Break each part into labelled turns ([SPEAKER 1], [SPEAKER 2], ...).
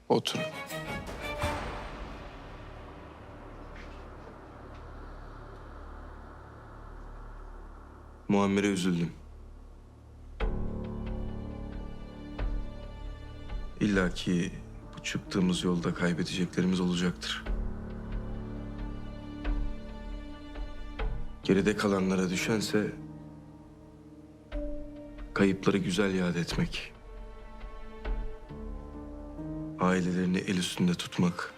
[SPEAKER 1] Otur. Muammer'e üzüldüm. İlla ki bu çıktığımız yolda kaybedeceklerimiz olacaktır. Geride kalanlara düşense kayıpları güzel yad etmek. Ailelerini el üstünde tutmak.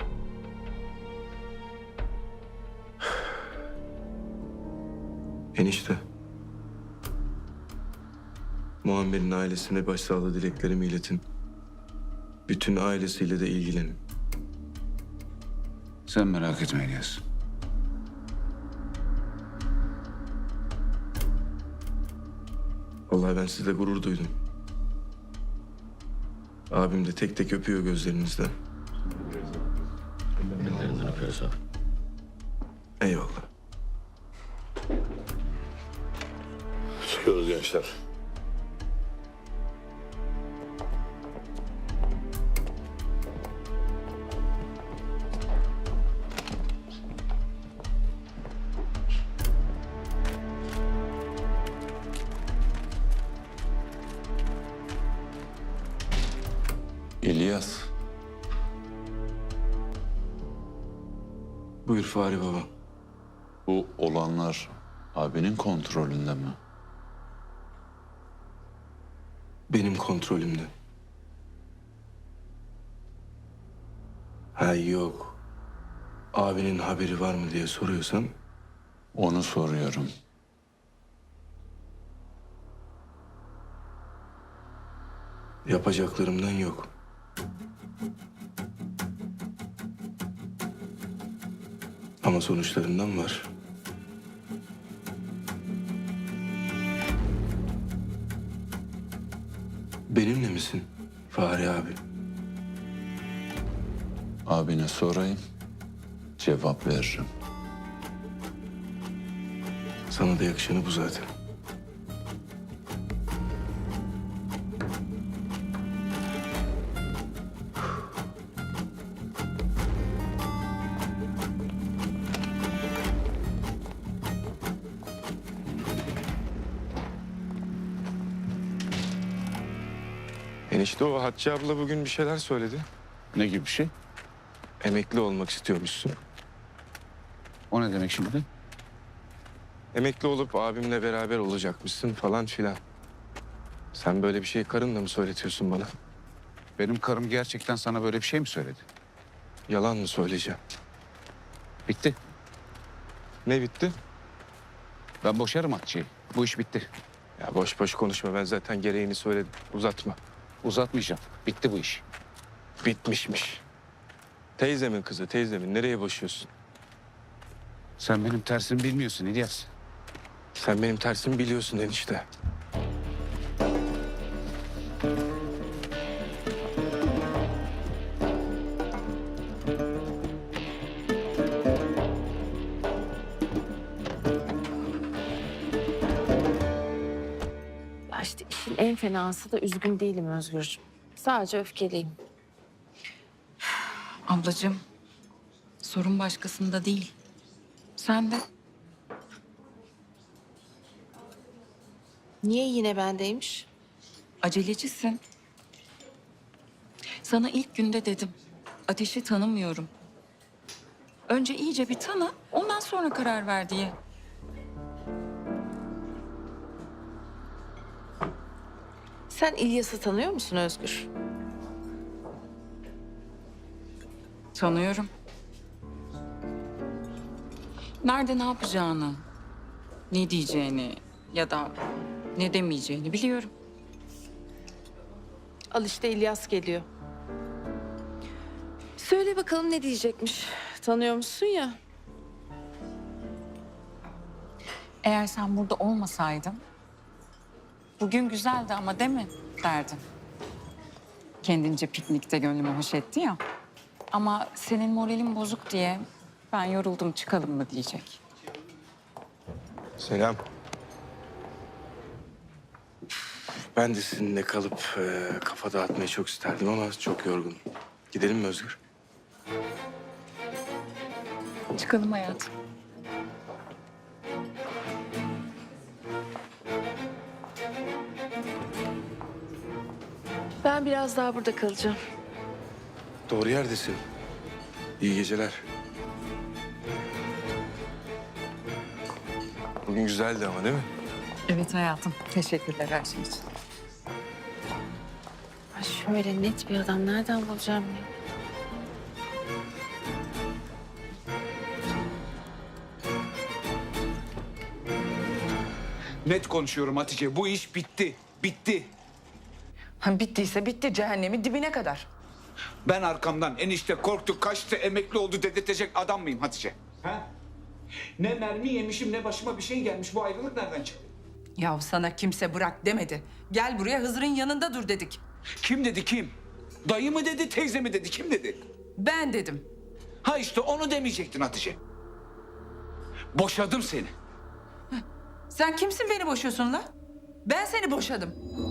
[SPEAKER 1] Enişte. Muammer'in ailesine başsağlığı dileklerimi iletin. Bütün ailesiyle de ilgilenin.
[SPEAKER 2] Sen merak etme İlyas.
[SPEAKER 1] Vallahi ben sizle gurur duydum. Abim de tek tek öpüyor gözlerinizden.
[SPEAKER 3] Ellerinden öpüyoruz abi.
[SPEAKER 1] Eyvallah.
[SPEAKER 3] Çıkıyoruz gençler.
[SPEAKER 2] İlyas,
[SPEAKER 1] Buyur Fahri Baba.
[SPEAKER 2] bu olanlar abinin kontrolünde mi?
[SPEAKER 1] Benim kontrolümde. Ha yok. Abinin haberi var mı diye soruyorsan
[SPEAKER 2] Onu soruyorum.
[SPEAKER 1] yapacaklarımdan yok. Ama sonuçlarından var. Benimle misin Fahri abi?
[SPEAKER 2] Abine sorayım, cevap veririm.
[SPEAKER 1] Sana da yakışanı bu zaten. Enişte o Hatice abla bugün bir şeyler söyledi.
[SPEAKER 2] Ne gibi bir şey?
[SPEAKER 1] Emekli olmak istiyormuşsun.
[SPEAKER 2] O ne demek şimdi?
[SPEAKER 1] Emekli olup abimle beraber olacakmışsın falan filan. Sen böyle bir şey karınla mı söyletiyorsun bana?
[SPEAKER 2] Benim karım gerçekten sana böyle bir şey mi söyledi?
[SPEAKER 1] Yalan mı söyleyeceğim?
[SPEAKER 2] Bitti.
[SPEAKER 1] Ne bitti?
[SPEAKER 2] Ben boşarım Hatice'yi. Bu iş bitti.
[SPEAKER 1] Ya boş boş konuşma, ben zaten gereğini söyledim. Uzatma.
[SPEAKER 2] Uzatmayacağım. Bitti bu iş.
[SPEAKER 1] Bitmişmiş. Teyzemin kızı, teyzemin. Nereye boşuyorsun?
[SPEAKER 2] Sen benim tersimi bilmiyorsun İlyas.
[SPEAKER 1] Sen benim tersimi biliyorsun enişte.
[SPEAKER 4] Ya işte işin en fenası da üzgün değilim Özgürcüğüm. Sadece öfkeliyim.
[SPEAKER 5] Ablacığım, sorun başkasında değil. Sen de.
[SPEAKER 4] Niye yine bendeymiş?
[SPEAKER 5] Acelecisin. Sana ilk günde dedim. Ateşi tanımıyorum. Önce iyice bir tanı, ondan sonra karar ver diye.
[SPEAKER 4] Sen İlyas'ı tanıyor musun Özgür?
[SPEAKER 5] Tanıyorum. Nerede ne yapacağını, ne diyeceğini ya da ne demeyeceğini biliyorum.
[SPEAKER 4] Al işte İlyas geliyor. Söyle bakalım ne diyecekmiş. Tanıyor musun ya?
[SPEAKER 5] Eğer sen burada olmasaydın, bugün güzeldi ama değil mi derdin. Kendince piknikte gönlümü hoş etti ya. Ama senin moralin bozuk diye ben yoruldum çıkalım mı diyecek.
[SPEAKER 1] Selam. Ben de sizinle kalıp kafa dağıtmayı çok isterdim ama çok yorgunum. Gidelim mi Özgür?
[SPEAKER 5] Çıkalım hayatım.
[SPEAKER 4] Ben biraz daha burada kalacağım.
[SPEAKER 1] Doğru yerdesin. İyi geceler. Bugün güzeldi ama değil mi?
[SPEAKER 5] Evet hayatım. Teşekkürler her şey için.
[SPEAKER 4] Ay şöyle net bir adam nereden bulacağım ya?
[SPEAKER 2] Net konuşuyorum Hatice. Bu iş bitti. Bitti.
[SPEAKER 3] Ha, bittiyse bitti, cehennemi dibine kadar.
[SPEAKER 2] Ben arkamdan enişte korktu, kaçtı, emekli oldu dedirtecek adam mıyım Hatice? Ha? Ne mermi yemişim ne başıma bir şey gelmiş. Bu ayrılık nereden çıktı?
[SPEAKER 3] Ya sana kimse bırak demedi. Gel buraya, Hızır'ın yanında dur dedik.
[SPEAKER 2] Kim dedi kim? Dayı mı dedi, teyze mi dedi, kim dedi?
[SPEAKER 3] Ben dedim.
[SPEAKER 2] Ha işte onu demeyecektin Hatice. Boşadım seni.
[SPEAKER 3] Sen kimsin beni boşuyorsun la? Ben seni boşadım.